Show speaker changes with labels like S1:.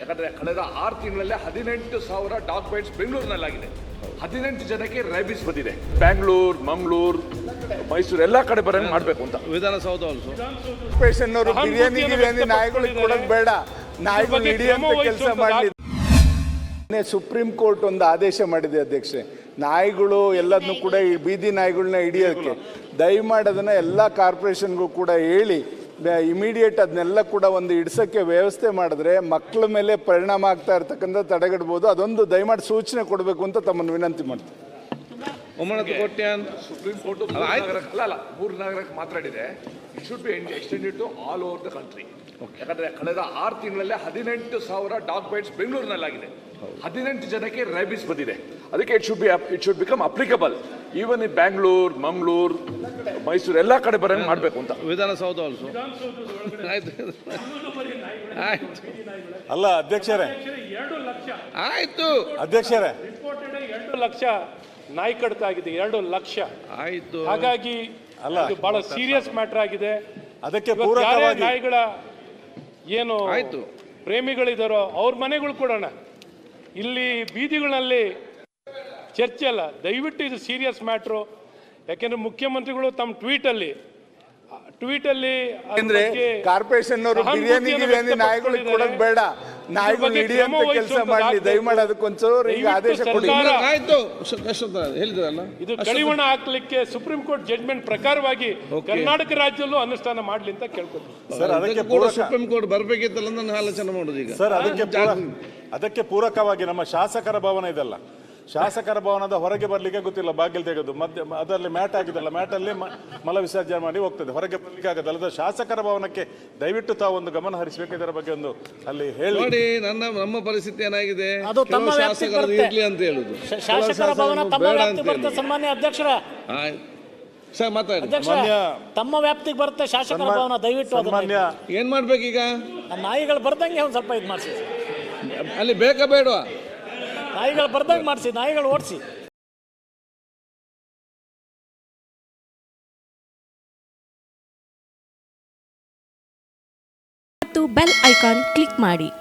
S1: ಯಾಕಂದರೆ ಕಳೆದ 6 ತಿಂಗಳಲ್ಲೇ 18,000 ಡಾಗ್ ಬೈಟ್ಸ್ ಬೆಂಗಳೂರಿನಲ್ಲಾಗಿದೆ. 18 ಜನಕ್ಕೆ ರ್ಯಾಬಿಸ್ ಬಂದಿದೆ. ಬ್ಯಾಂಗ್ಳೂರು, ಮಂಗಳೂರು, ಮೈಸೂರು ಎಲ್ಲ ಕಡೆ ಬರೋಂಗೆ ಮಾಡಬೇಕು ಅಂತ.
S2: ವಿಧಾನಸೌಧ ಆಲ್ಸೋ
S3: ಪೇಷಂಟ್ನವರು ಬಿರಿಯಾನಿ ನಾಯಿಗಳಿಗೆ ಕೊಡೋದು ಬೇಡ, ನಾಯಿಗಳು ಹಿಡಿಯುವಂತ ಕೆಲಸ ಮಾಡಲಿ. ಸುಪ್ರೀಂ ಕೋರ್ಟ್ ಒಂದು ಆದೇಶ ಮಾಡಿದೆ ಅಧ್ಯಕ್ಷೆ, ನಾಯಿಗಳು ಎಲ್ಲದನ್ನು ಕೂಡ ಬೀದಿ ನಾಯಿಗಳನ್ನ ಹಿಡಿಯೋಕ್ಕೆ ದಯಮಾಡಿ ಅದನ್ನು ಎಲ್ಲ ಕಾರ್ಪೊರೇಷನ್ಗೂ ಕೂಡ ಹೇಳಿ ಇಮಿಡಿಯೇಟ್ ಅದನ್ನೆಲ್ಲ ಕೂಡ ಒಂದು ಹಿಡ್ಸೋಕ್ಕೆ ವ್ಯವಸ್ಥೆ ಮಾಡಿದ್ರೆ ಮಕ್ಕಳ ಮೇಲೆ ಪರಿಣಾಮ ಆಗ್ತಾ ಇರ್ತಕ್ಕಂಥ ತಡೆಗಟ್ಬೋದು. ಅದೊಂದು ದಯಮಾಡಿ ಸೂಚನೆ ಕೊಡಬೇಕು ಅಂತ ತಮ್ಮನ್ನು ವಿನಂತಿ ಮಾಡ್ತೀನಿ.
S1: ಸುಪ್ರೀಂ ಕೋರ್ಟ್ ಮೂರು ನಗರಕ್ಕೆ ಮಾತಾಡಿದೆ. It should be extended to all over the country. ಯಾಕಂದರೆ ಕಳೆದ 6 ತಿಂಗಳಲ್ಲೇ 18,000 ಡಾಗ್ ಬೈಟ್ಸ್ ಬೆಂಗಳೂರಿನಲ್ಲಾಗಿದೆ. 18 ಜನಕ್ಕೆ ರ್ಯಾಬಿಸ್ ಬಂದಿದೆ. ಅದಕ್ಕೆ it should become applicable even in Bangalore, Mangaluru, Mysuru ಎಲ್ಲ ಕಡೆ ಬರೋಂಗೆ ಮಾಡಬೇಕು ಅಂತ.
S2: ವಿಧಾನಸೌಧ ಆಲ್ಸೋ ಆಯ್ತು ಆಯ್ತು
S3: ಅಲ್ಲ ಅಧ್ಯಕ್ಷರೇ,
S4: 2 ಲಕ್ಷ
S2: ಆಯ್ತು
S3: ಅಧ್ಯಕ್ಷರೇ,
S4: ರಿಪೋರ್ಟೆಡ್ 2 ಲಕ್ಷ ನಾಯಿ ಕಡಿತ ಆಗಿದೆ. 2 ಲಕ್ಷ
S2: ಆಯ್ತು.
S4: ಹಾಗಾಗಿ ಇದು ಬಹಳ ಸೀರಿಯಸ್ ಮ್ಯಾಟರ್ ಆಗಿದೆ.
S3: ಅದಕ್ಕೆ
S4: ಯಾರೇ ನಾಯಿಗಳ ಏನು
S2: ಆಯ್ತು
S4: ಪ್ರೇಮಿಗಳಿದಾರೋ ಅವ್ರ ಮನೆಗಳು ಕೊಡೋಣ. ಇಲ್ಲಿ ಬೀದಿಗಳಲ್ಲಿ ಚರ್ಚೆ ಅಲ್ಲ, ದಯವಿಟ್ಟು ಇದು ಸೀರಿಯಸ್ ಮ್ಯಾಟ್ರು. ಯಾಕೆಂದ್ರೆ ಮುಖ್ಯಮಂತ್ರಿಗಳು ತಮ್ಮ ಟ್ವೀಟಲ್ಲಿ
S3: ಅಂದ್ರೆ ಕಾರ್ಪೊರೇಷನ್ನವರು ಬಿರಿಯಾನಿ ನಾಯಿಗಳಿಗೆ ಕೊಡೋದು ಬೇಡ, ನಾಯಿಗಳು ಹಿಡಿಯುವಂತ ಕೆಲಸ ಮಾಡಲಿ. ದಯಮಾಡಿ ಅದಕ್ಕೊಂಚೂರು ಈಗ ಆದೇಶ ಕೊಡಿ.
S2: ಆಯ್ತು ಹೇಳಿದ್ರಲ್ಲ,
S4: ಇದು ಕಡಿವಾಣ ಹಾಕ್ಲಿಕ್ಕೆ ಸುಪ್ರೀಂ ಕೋರ್ಟ್ ಜಡ್ಜ್ಮೆಂಟ್ ಪ್ರಕಾರವಾಗಿ ಕರ್ನಾಟಕ ರಾಜ್ಯದಲ್ಲೂ ಅನುಷ್ಠಾನ ಮಾಡ್ಲಿ ಅಂತ ಕೇಳ್ಕೊತೀವಿ
S3: ಸರ್. ಅದಕ್ಕೆ
S2: ಸುಪ್ರೀಂ ಕೋರ್ಟ್ ಬರ್ಬೇಕಿತ್ತಲ್ಲ ನಾನು ಆಲೋಚನೆ ಮಾಡೋದು ಈಗ
S3: ಸರ್. ಅದಕ್ಕೆ ಪೂರಕವಾಗಿ ನಮ್ಮ ಶಾಸಕರ ಭವನ ಇದೆಲ್ಲ, ಶಾಸಕರ ಭವನದ ಹೊರಗೆ ಬರ್ಲಿಕ್ಕೆ ಗೊತ್ತಿಲ್ಲ, ಬಾಗಿಲು ತೆಗೆದು ಮಧ್ಯ ಅದರಲ್ಲಿ ಮ್ಯಾಟ್ ಆಗಿದೆಲ್ಲ, ಮ್ಯಾಟಲ್ಲಿ ಮಲ ವಿಸರ್ಜನೆ ಮಾಡಿ ಹೋಗ್ತದೆ, ಹೊರಗೆ ಬರ್ಲಿಕ್ಕೆ ಆಗೋದಲ್ಲ. ಶಾಸಕರ ಭವನಕ್ಕೆ ದಯವಿಟ್ಟು ತಾವು ಒಂದು ಗಮನ ಹರಿಸಬೇಕು, ಇದರ ಬಗ್ಗೆ ಒಂದು ಅಲ್ಲಿ ಹೇಳಿ.
S2: ನೋಡಿ ನಮ್ಮ ಪರಿಸ್ಥಿತಿ ಏನಾಗಿದೆ,
S5: ಅದು ತಮ್ಮ
S2: ಶಾಸಕರು ಇರ್ಲಿ ಅಂತ ಹೇಳುದು,
S5: ಶಾಸಕರ ಭವನ ತಮ್ಮ ವ್ಯಾಪ್ತಿಗೆ ಬರುತ್ತೆ. ಸನ್ಮಾನ್ಯ ಅಧ್ಯಕ್ಷರ,
S2: ಸರ್ ಮಾತಾಡಿ.
S5: ತಮ್ಮ ವ್ಯಾಪ್ತಿಗೆ ಬರುತ್ತೆ ಶಾಸಕರ ಭವನ. ದಯವಿಟ್ಟು
S3: ಸನ್ಮಾನ್ಯ
S2: ಏನ್ ಮಾಡ್ಬೇಕೀಗ?
S5: ನಾಯಿಗಳು ಬರ್ದಂಗೆ ಒಂದು ಸ್ವಲ್ಪ ಇದು ಮಾಡಿಸಿ,
S2: ಅಲ್ಲಿ ಬೇಕಾ ಬೇಡವಾ?
S5: ನಾಯಿಗಳು ಬರ್ದಂಗೆ ಮಾಡಿಸಿ, ನಾಯಿಗಳು ಓಡಿಸಿ.
S6: ಮತ್ತು ಬೆಲ್ ಐಕಾನ್ ಕ್ಲಿಕ್ ಮಾಡಿ.